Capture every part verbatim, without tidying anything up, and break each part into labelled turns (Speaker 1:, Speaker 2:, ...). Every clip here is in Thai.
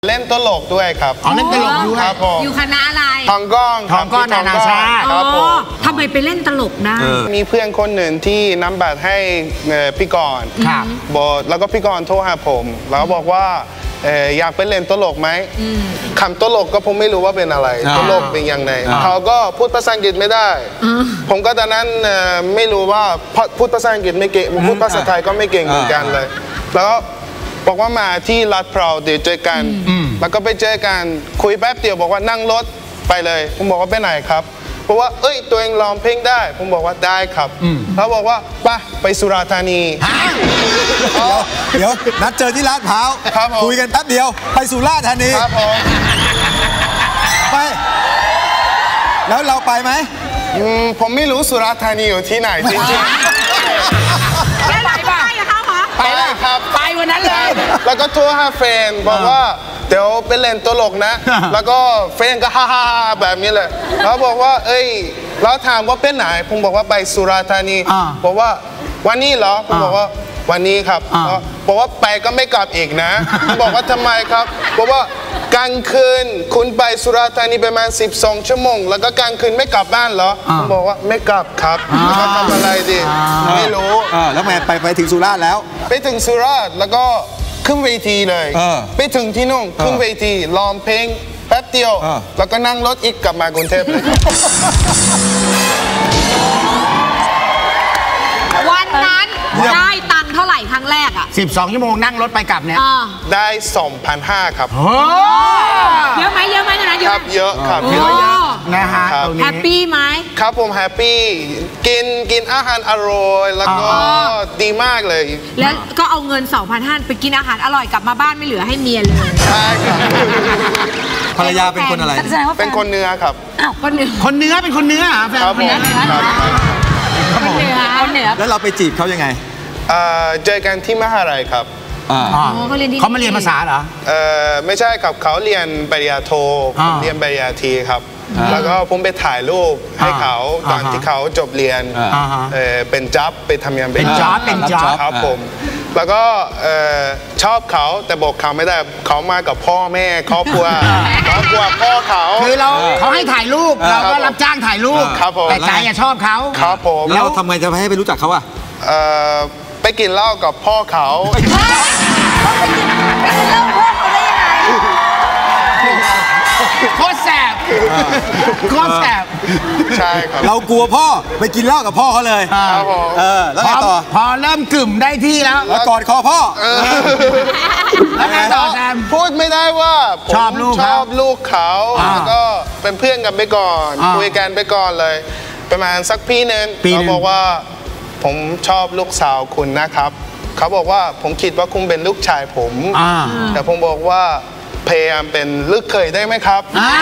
Speaker 1: เล่นตลกด้วยครับ
Speaker 2: อ๋อเล่นตลกด้วย
Speaker 1: ครับผม
Speaker 3: อยู่คณะอะไร
Speaker 1: ทองก้อง
Speaker 2: ทองก้องนานาชาติ
Speaker 3: ครับผมทำไมไปเล่นตลกได้
Speaker 1: มีเพื่อนคนหนึ่งที่นำบัตรให้พี่กรณ์บอกแล้วก็พี่กรณ์โทรหาผมแล้วบอกว่าอยากไปเล่นตลกไหมคำตลกก็ผมไม่รู้ว่าเป็นอะไรตลกเป็นยังไงเขาก็พูดภาษาอังกฤษไม่ได้ผมก็ตอนนั้นไม่รู้ว่าพูดภาษาอังกฤษไม่เก่งพูดภาษาไทยก็ไม่เก่งเหมือนกันเลยแล้วบอกว่ามาที่ลาดพร้าวเดี๋ยวเจอกันแล้วก็ไปเจอกันคุยแป๊บเดียวบอกว่านั่งรถไปเลยผมบอกว่าไปไหนครับเพราะว่าเอ้ยตัวเองร้องเพลงได้ผมบอกว่าได้ครับเขาบอกว่าไปไปสุราษฎร์ธานี
Speaker 4: เดี๋ยวนัดเจอที่ลาดพร้าวคุยกันแป๊บเดียวไปสุราษฎร์ธานี
Speaker 1: ครับผม
Speaker 4: ไปแล้วเราไปไหม
Speaker 1: ผมไม่รู้สุราษฎร์ธานีอยู่ที่ไหนจริง
Speaker 3: ๆแล้วไปป่ะ
Speaker 1: ไปเลยครับ
Speaker 3: ไปวันนั้นเลย
Speaker 1: แล้วก็โทรหาแฟนบอกว่าเดี๋ยวไปเล่นตลกนะแล้วก็แฟนก็ฮ่าฮ่าแบบนี้เลยแล้วบอกว่าเอ้ยแล้วถามว่าเป็นไหนผมบอกว่าไปสุราษฎร์ธานีบอกว่าวันนี้เหรอผมบอกว่าวันนี้ครับบอกว่าไปก็ไม่กลับอีกนะบอกว่าทำไมครับบอกว่ากลางคืนคุณไปสุราษฎร์ธานีประมาณสิบสองชั่วโมงแล้วก็กลางคืนไม่กลับบ้านเหรอผมบอกว่าไม่กลับครับแล้วก็ทำอะไรดีไม่รู้
Speaker 4: แล้วแม่ไปไปถึงสุราษฎร์แล้ว
Speaker 1: ไปถึงสุราษฎร์แล้วก็ขึ้นเวทีเลยไปถึงที่นู่นขึ้นเวทีร้องเพลงแป๊บเดียวแล้วก็นั่งรถอีกกลับมากรุงเทพเลย
Speaker 3: วันนั้นได้ตังค์เท่าไหร่ครั้งแรกอ่ะ
Speaker 2: สิบสองชั่วโมงนั่งรถไปกลับเนี่ย
Speaker 1: ได้ สองพันห้าร้อย ครับ
Speaker 3: เยอะไหมเยอะไหมนะเยอะ
Speaker 1: เยอะครับเยอะ
Speaker 2: นะฮะ
Speaker 3: แฮปปี้ไหม
Speaker 1: ครับผมแฮปปี้กินกินอาหารอร่อยแล้วก็ดีมากเลย
Speaker 3: แล้วก็เอาเงิน สองพันห้าร้อย ไปกินอาหารอร่อยกลับมาบ้านไม่เหลือให้เมียเลย
Speaker 1: ใช่ครับ
Speaker 4: ภรรยาเป็นคนอะไร
Speaker 1: เป็นคนเนื้อครับ
Speaker 3: อ้าวคนเนื้อ
Speaker 2: คนเนื้อเป็นคนเนื้อแฟนคนเนื้อ
Speaker 3: คนเนื้อคนเนื้อ
Speaker 4: แล้วเราไปจีบเขายังไง
Speaker 1: เจอกันที่มหาลัยครับ
Speaker 2: เขามาเรียนภาษาเหรอ
Speaker 1: ไม่ใช่ครับเขาเรียนปริญญาโทผมเรียนปริญญาตรีครับแล้วก็ผมไปถ่ายรูปให้เขาตอนที่เขาจบเรียนเป็นจ็อบไปทำงาน
Speaker 2: เป็นจ็อบเป็นจ็อบ
Speaker 1: ครับผมแล้วก็ชอบเขาแต่บอกเขาไม่ได้เขามากับพ่อแม่ครอบครัวครอบครัวพ่อเขา
Speaker 2: คือเราเขาให้ถ่ายรูปเราก็รับจ้างถ่ายรูปแต่ใจชอบเขา
Speaker 1: ครับผม
Speaker 4: แล้วทำไงจะให้ไปรู้จักเขาอ่ะ
Speaker 1: ไปกินเหล้ากับพ่อเขา
Speaker 2: โคตรแสบโคตรแสบ
Speaker 1: ใช่ครับ
Speaker 4: เรากลัวพ่อไปกินเหล้ากับพ่อเขาเลย
Speaker 1: ครับผม
Speaker 4: เออแล้วไงต่อ
Speaker 2: พอเริ่มกึ่มได้ที่แล้ว
Speaker 4: แล้วกอดคอพ่อ
Speaker 2: แล้วไงต่อแซม
Speaker 1: พูดไม่ได้ว่า
Speaker 2: ชอบลูก
Speaker 1: ชอบลูกเขาแล้วก็เป็นเพื่อนกันไปก่อนคุยกันไปก่อนเลยประมาณสักปีนึงเขาบอกว่าผมชอบลูกสาวคุณนะครับเขาบอกว่าผมคิดว่าคุณเป็นลูกชายผมแต่ผมบอกว่าพยายามเป็นลูกเขยได้ไหมครับ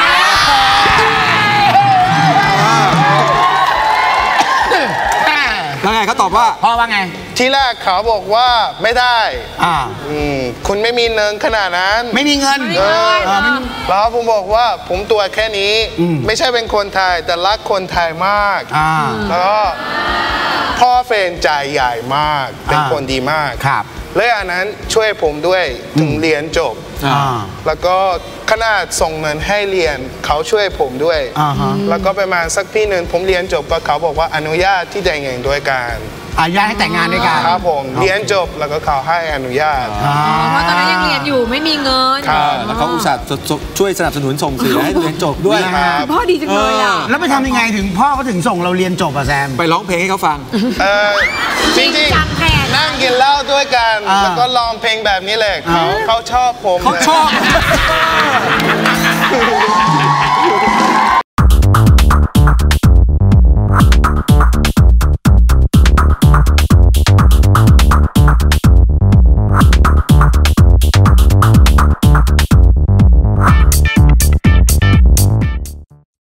Speaker 4: แล้วไงเขาตอบว่า
Speaker 2: พ่อว่าไง
Speaker 1: ที่แรกเขาบอกว่าไม่ได้คุณไม่มีเงินขนาดนั้น
Speaker 2: ไม่มีเงิน
Speaker 1: แล้วผมบอกว่าผมตัวแค่นี้ไม่ใช่เป็นคนไทยแต่รักคนไทยมากแล้วก็พ่อเฟนใจใหญ่มากเป็นคนดีมากและอันนั้นช่วยผมด้วยถึงเรียนจบแล้วก็ขนาดส่งเงินให้เรียนเขาช่วยผมด้วยแล้วก็ประมาณสักพี่หนึ่งผมเรียนจบก็เขาบอกว่าอนุญาตที่แต่งงานด้วยกัน
Speaker 2: อนุญาตให้แต่งงานด้วยกัน
Speaker 1: ครับผมเรียนจบแล้วก็เขาให้อนุญาต
Speaker 3: เพราะตอนนั้นยังเรียนอยู่ไม่มีเงิน
Speaker 4: แล้วเขาอุตส่าห์ช่วยสนับสนุนส่งเสียให้เรียนจบด้วย
Speaker 3: พ่อดีจังเลยอ่ะ
Speaker 2: แล้วไปทำยังไงถึงพ่อเขาถึงส่งเราเรียนจบอ่ะแซม
Speaker 4: ไปร้องเพลงให้เขาฟัง
Speaker 1: จริงๆนั่งกินเหล้าด้วยกันแล้วก็ร้องเพลงแบบนี้แหละเขาเขาชอบผม
Speaker 4: เขาชอบ